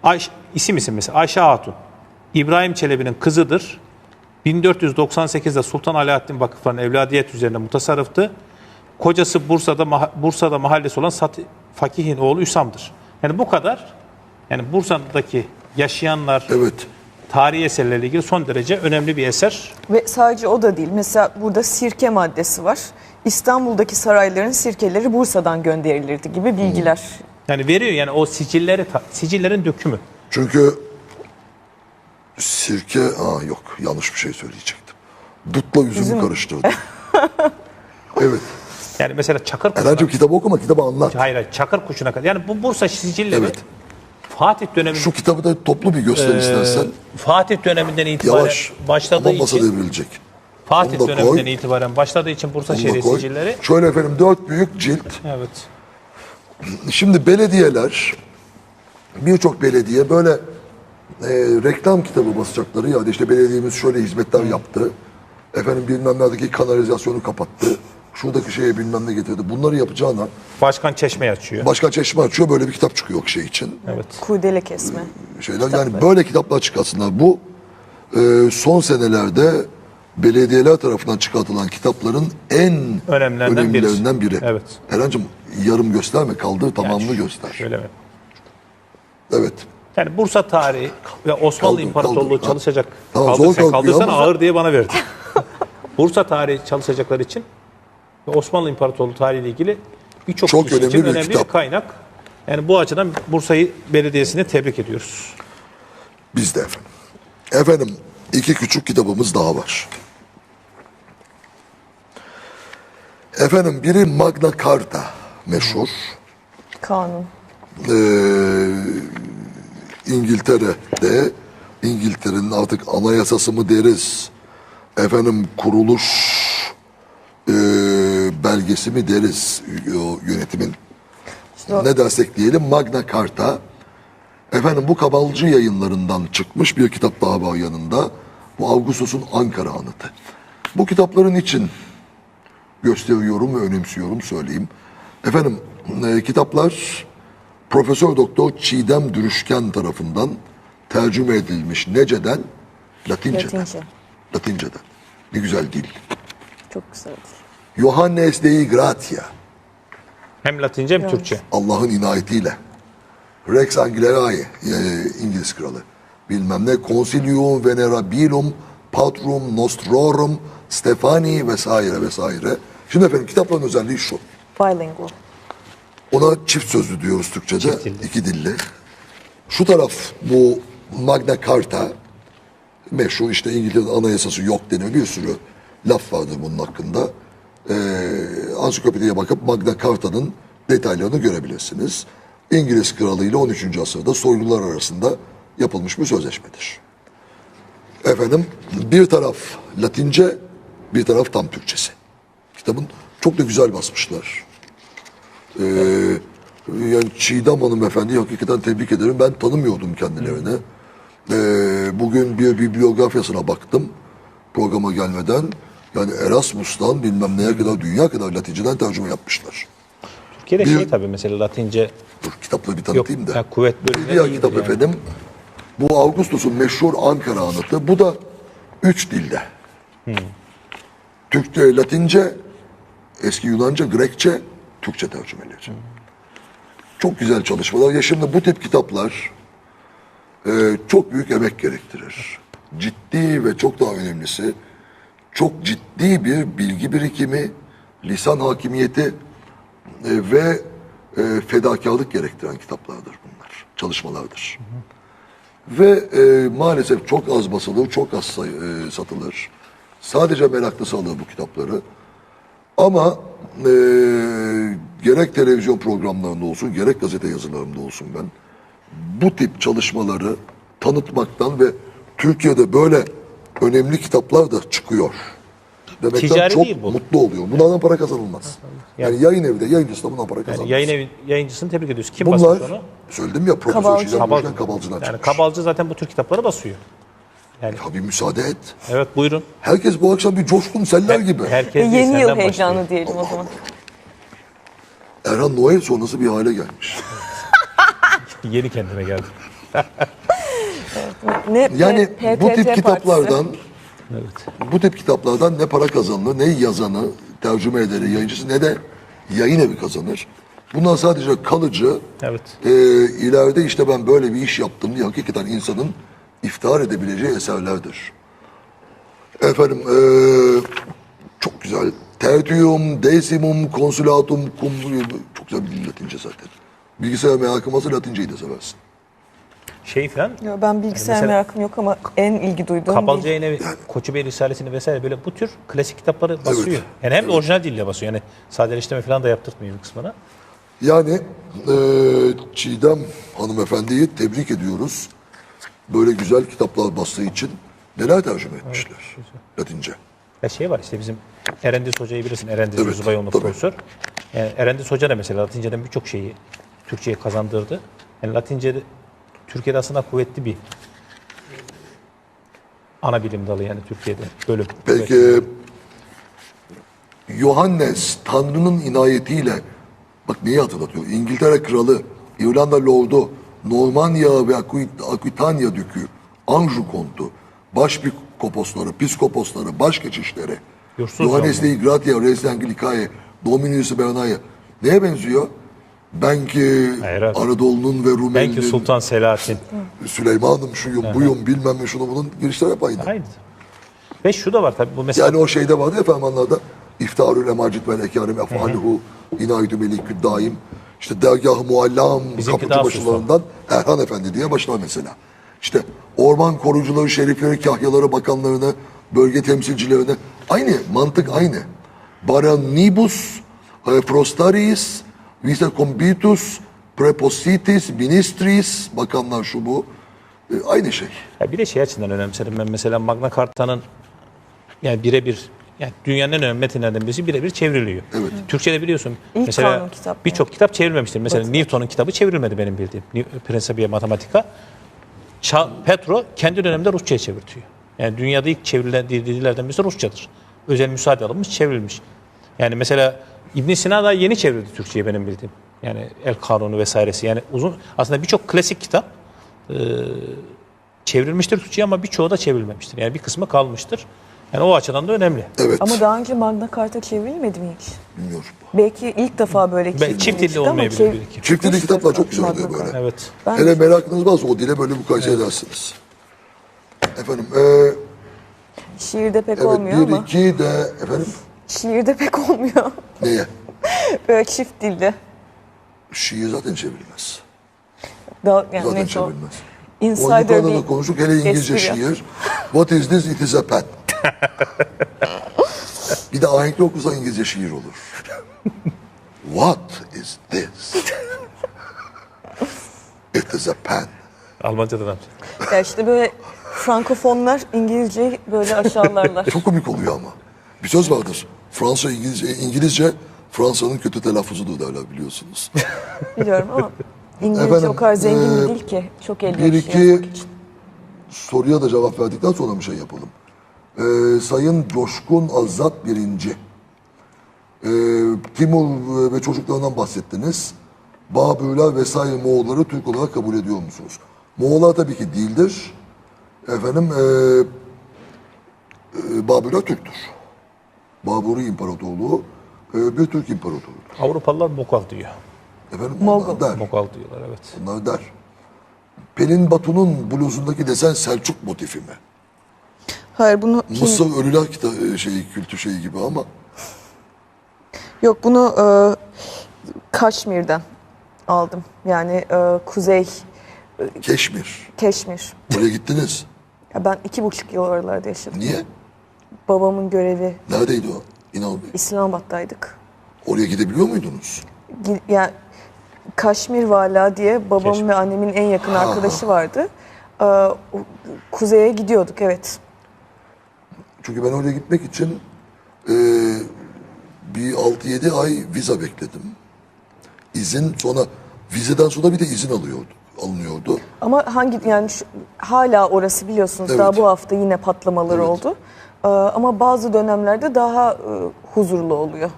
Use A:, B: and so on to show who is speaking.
A: isim mesela Ayşe Hatun. İbrahim Çelebi'nin kızıdır. 1498'de Sultan Alaaddin Vakıfları'nın evladiyet üzerine mutasarrıftı. Kocası Bursa'da mahallesi olan Fakih'in oğlu Üsam'dır. Yani bu kadar. Yani Bursa'daki yaşayanlar,
B: Evet.
A: tarihi eserlerle ilgili son derece önemli bir eser.
C: Ve sadece o da değil. Mesela burada sirke maddesi var. İstanbul'daki sarayların sirkeleri Bursa'dan gönderilirdi gibi bilgiler.
A: Yani veriyor yani o sicillerin dökümü.
B: Çünkü sirke... yok yanlış bir şey söyleyecektim. Dutla üzümü karıştırdım. Evet.
A: Yani mesela Çakır Kuşu'na...
B: Erhan'cığım kitabı okuma, kitabı anlat.
A: Hayır, Çakır Kuşu'na kadar. Yani bu Bursa sicilleri
B: Evet.
A: Fatih döneminde...
B: Şu kitabı da toplu bir göster istersen.
A: Fatih döneminden itibaren
B: Yavaş.
A: başladığı
B: Ama masa
A: için...
B: devrilecek.
A: Fatih
B: Onu da
A: döneminden
B: koy.
A: itibaren başladığı için Bursa
B: Onu da
A: şehri
B: koy.
A: sicilleri...
B: Şöyle efendim 4 büyük cilt.
A: Evet.
B: Şimdi belediyeler, birçok belediye böyle reklam kitabı basacakları ya işte belediyemiz şöyle hizmetler yaptı. Efendim bilmem neredeki kanalizasyonu kapattı. Şuradaki şeye bilmem ne getirdi. Bunları yapacağına
A: Başkan çeşme açıyor.
B: başka çeşme açıyor, böyle bir kitap çıkıyor şey için.
A: Evet.
C: Kurdele kesme.
B: Yani böyle kitaplar çıkarsınlar. Bu son senelerde belediyeler tarafından çıkartılan kitapların en önemlilerinden biri.
A: Evet.
B: Erhan'cığım yarım gösterme, kaldır tamamını göster.
A: Şöyle mi?
B: Evet.
A: Yani Bursa tarihi ve Osmanlı
B: Kaldır,
A: İmparatorluğu
B: kaldır.
A: çalışacak.
B: Tamam,
A: Kaldır,
B: zor
A: sen
B: kalkıyor
A: kaldırsan
B: ama-
A: ağır diye bana verdi. Bursa tarihi çalışacaklar için ve Osmanlı İmparatorluğu tarihiyle ilgili birçok
B: Çok
A: kişi için
B: önemli bir
A: önemli bir
B: kitap.
A: kaynak. Yani bu açıdan Bursa'yı belediyesine tebrik ediyoruz.
B: Biz de efendim. Efendim 2 küçük kitabımız daha var. Efendim biri Magna Carta meşhur.
C: Kanun.
B: İngiltere'de, İngiltere'nin artık anayasası mı deriz, efendim kuruluş belgesi mi deriz o yönetimin, ne dersek diyelim, Magna Carta. Efendim bu Kabalcı yayınlarından çıkmış bir kitap daha var yanında. Bu Augustus'un Ankara Anıtı. Bu kitapların için gösteriyorum ve önemsiyorum söyleyeyim. Efendim kitaplar Profesör Doktor Çiğdem Dürüşken tarafından tercüme edilmiş. Nece'den? Latinceden.
C: Latince.
B: Latinceden. Ne güzel dil.
C: Çok güzeldir.
B: Johannes Dei Gratia.
A: Hem Latince hem Türkçe.
B: Allah'ın inayetiyle. Rex Anglicani, İngiliz kralı. Bilmem ne. Consilium Venerabilum Patrum Nostrorum Stefani vesaire vesaire. Şimdi efendim kitapların özelliği şu.
C: Bilingual.
B: Ona çift sözlü diyoruz Türkçe'de.
A: Çift dilli.
B: 2 dilli. Şu taraf bu Magna Carta meşhur, işte İngiltere'nin anayasası yok deniyor. Bir sürü laf vardır bunun hakkında. Ansiklopediye bakıp Magna Carta'nın detaylarını görebilirsiniz. İngiliz kralı ile 13. asırda soylular arasında yapılmış bir sözleşmedir. Efendim bir taraf Latince, bir taraf tam Türkçesi. Kitabın çok da güzel basmışlar. Yani Çiğdem hanımefendi hakikaten tebrik ederim. Ben tanımıyordum kendilerini. Bugün bir bibliografyasına baktım programa gelmeden. Yani Erasmus'tan bilmem neye kadar, dünya kadar Latinceden tercüme yapmışlar.
A: Türkiye'de
B: Bir-
A: tabii mesela Latince
B: Dur kitapları bir
A: yok.
B: tanıtayım da.
A: Yani kuvvet
B: Bir
A: bölümleri
B: diğer
A: iyidir
B: kitap
A: yani.
B: efendim. Bu Augustus'un meşhur Ankara Anıtı. Bu da 3 dilde. Türkçe, Latince, eski Yunanca, Grekçe, Türkçe tercümeleri. Çok güzel çalışmalar. Ya şimdi bu tip kitaplar çok büyük emek gerektirir. Ciddi ve çok daha önemlisi çok ciddi bir bilgi birikimi, lisan hakimiyeti ve fedakarlık gerektiren kitaplardır bunlar. Çalışmalardır. Ve maalesef çok az basılır, çok az satılır. Sadece meraklısı alır bu kitapları. Ama gerek televizyon programlarında olsun, gerek gazete yazılarımda olsun ben bu tip çalışmaları tanıtmaktan ve Türkiye'de böyle önemli kitaplar da çıkıyor demekten
A: Ticari
B: çok
A: değil bu.
B: mutlu oluyorum. Bunlardan para kazanılmaz. Yani yayın evi de, yayıncısı da bundan para kazanmaz.
A: Yayıncısını tebrik ediyoruz. Kim
B: Bunlar,
A: basmış onu?
B: söyledim ya, Profesör
C: Kabalcı.
B: Çiğdem Dürüşken Kabalcı'dan
A: Yani
B: çıkmış.
A: Kabalcı zaten bu tür kitapları basıyor.
B: Ya bir müsaade et.
A: Evet buyurun.
B: Herkes bu akşam bir coşkun seller gibi.
A: Herkes değil,
C: Yeni yıl
A: senden
C: heyecanı
A: başlıyor.
C: diyelim o zaman.
B: Erhan Noel sonrası bir hale gelmiş.
A: Yeni kendime geldim.
C: Ne
B: Yani bu tip
C: PTT
B: kitaplardan
A: Evet.
B: bu tip kitaplardan ne para kazanılır, ne yazanı, tercüme ederi, yayıncısı ne de yayın evi kazanır. Bunlar sadece kalıcı,
A: Evet.
B: ileride işte ben böyle bir iş yaptım diye hakikaten insanın iftihar edebileceği eserlerdir. Efendim, çok güzel. Tertium, decimum, consulatum, cum... Çok güzel bir dil Latince zaten. Bilgisayar merakım varsa Latinceyi de seversin.
A: Şey falan,
C: Yo, ben bilgisayar
A: mesela-
C: merakım yok ama en ilgi duyduğum
A: Kabalcı
C: değil.
A: Yayın Evi, Koçubey Risalesi'ni vesaire böyle bu tür klasik kitapları basıyor. Yani hem de orijinal dille basıyor. Yani sadeleştirme falan da yaptırtmıyor bir kısmına.
B: Yani Çiğdem hanımefendiyi tebrik ediyoruz. Böyle güzel kitaplar bastığı için neler tercüme etmişler Latince.
A: Ya şey var işte bizim Erendiz Hoca'yı bilirsin. Erendiz
B: Evet,
A: Zubayoğlu
B: tabii.
A: profesör. Yani Erendiz Hoca da mesela Latinceden birçok şeyi Türkçe'ye kazandırdı. Yani Latince'de Türkiye'de aslında kuvvetli bir ana bilim dalı yani Türkiye'de bölüm.
B: Peki Yohannes Tanrı'nın inayetiyle bak neyi hatırlatıyor? İngiltere Kralı, İrlanda Lordu, Normanya ve Aquitania Dükü, Anjou Kontu, Başpiskoposları, Piskoposları, Başkeçişleri,
A: Yursuz
B: Johannes Dei Gratia, Res Anglicae, Dominus Bernaya. Neye benziyor? Ben ki
A: Hayır abi.
B: Anadolu'nun ve
A: Belki
B: Rumeli'nin,
A: Sultan Selahattin.
B: Süleyman'ım şuyum buyum bilmem ne şunu bunun girişler hep aynı.
A: Aynı. Ve şu da var tabii bu mesela
B: Yani o şeyde vardı ya fermanlarda İftarül Emacit ve Ekârim Ef'aluhu İnâidü Melikü Daim işte dergah-ı muallam
A: Bizimki
B: kapıcı
A: daha
B: başlarından Erhan Efendi diye başlar mesela. İşte orman korucuları, şerifleri, kahyaları, bakanlarını, bölge temsilcilerini aynı mantık aynı. Baranibus, prostaris, vice combitus, prepositis, ministris, bakanlar şu bu. Aynı şey.
A: ya bir de şey açısından önemserim ben mesela Magna Carta'nın yani birebir yani dünyanın en önemli metinlerden birisi birebir çevriliyor.
B: Evet.
A: Türkçe'de biliyorsun
C: İlk
A: mesela
C: kanun kitap
A: birçok kitap çevrilmemiştir. Mesela
C: Batı.
A: Newton'un kitabı çevrilmedi benim bildiğim. Principia Mathematica. Petro kendi döneminde Rusça'ya çevirtiyor. Yani dünyada ilk çevrilen dillerden birisi Rusçadır. Özel müsaade alınmış, çevrilmiş. Yani mesela İbn Sina da yeni çevrildi Türkçe'ye benim bildiğim. Yani El Kanunu vesairesi. Yani uzun aslında birçok klasik kitap çevrilmiştir Türkçe'ye ama birçoğu da çevrilmemiştir. Yani bir kısmı kalmıştır. Yani o açıdan da önemli.
B: Evet.
C: Ama daha önce Magna Carta çevrilmedi mi hiç?
B: Bilmiyorum.
C: Belki ilk defa böyle
A: Çift dilli olmayabilir bir iki.
B: Çift dilli kitaplar çok güzel oluyor
C: Magna
B: böyle.
C: Carta.
A: Evet.
C: Ben
B: Hele merakınız varsa o dile böyle mukayese edersiniz. Efendim,
C: şiirde pek
B: evet
C: olmuyor
B: bir
C: ama
B: iki de efendim
C: şiirde pek olmuyor.
B: neye?
C: Böyle çift dilli.
B: Şiir zaten çevrilmez.
C: Daha, yani
B: Zaten
C: neyse o.
B: çevrilmez.
C: Insider
B: Yukarıda da
C: bir
B: konuştuk. Hele İngilizce
C: espri.
B: şiir. What is this? It is a pen. Bir de ahenkli okursa İngilizce şiir olur. What is this? It is a pen.
A: Almanca'dan amca.
C: Ya işte böyle Frankofonlar İngilizceyi böyle aşağılarlar.
B: Çok komik oluyor ama. Bir söz vardır. Fransa İngilizce Fransa'nın kötü telaffuzudur derler biliyorsunuz.
C: Biliyorum ama İngilizce
B: Efendim,
C: o kadar zengin bir dil ki. Çok
B: bir
C: elverişli
B: iki
C: yazmak için.
B: soruya da cevap verdikten sonra bir şey yapalım. Sayın Coşkun Azat birinci. Timur ve çocuklarından bahsettiniz. Babürler vesaire Moğolları Türk olarak kabul ediyor musunuz? Moğollar tabii ki değildir. Efendim Babürler Türktür. Baburi İmparatorluğu bir Türk İmparatorluğudur.
A: Avrupalılar Mokal diyor.
B: Efendim
C: Moğol.
B: onlar der.
A: Mokal diyorlar evet.
B: Onlar der. Pelin Batu'nun bluzundaki desen Selçuk motifi mi?
C: Hayır bunu
B: Mısır Ölüler kültü şeyi gibi ama
C: yok bunu Kaşmir'den aldım. Yani Kuzey
B: Keşmir.
C: Keşmir.
B: Oraya gittiniz.
C: Ya ben 2,5 yıl oralarda yaşadım.
B: Niye?
C: Babamın görevi
B: Neredeydi o? İnal Bey.
C: İslamabad'daydık.
B: Oraya gidebiliyor muydunuz?
C: Yani Kaşmir Vala diye babamın
A: Keşmir.
C: ve annemin en yakın arkadaşı vardı. O Kuzeye gidiyorduk evet.
B: Çünkü ben oraya gitmek için bir 6-7 ay vize bekledim. İzin sonra vizeden sonra bir de izin alınıyordu.
C: Ama yani hala orası biliyorsunuz
B: Evet.
C: daha bu hafta yine patlamalar oldu. Ama bazı dönemlerde daha huzurlu oluyor.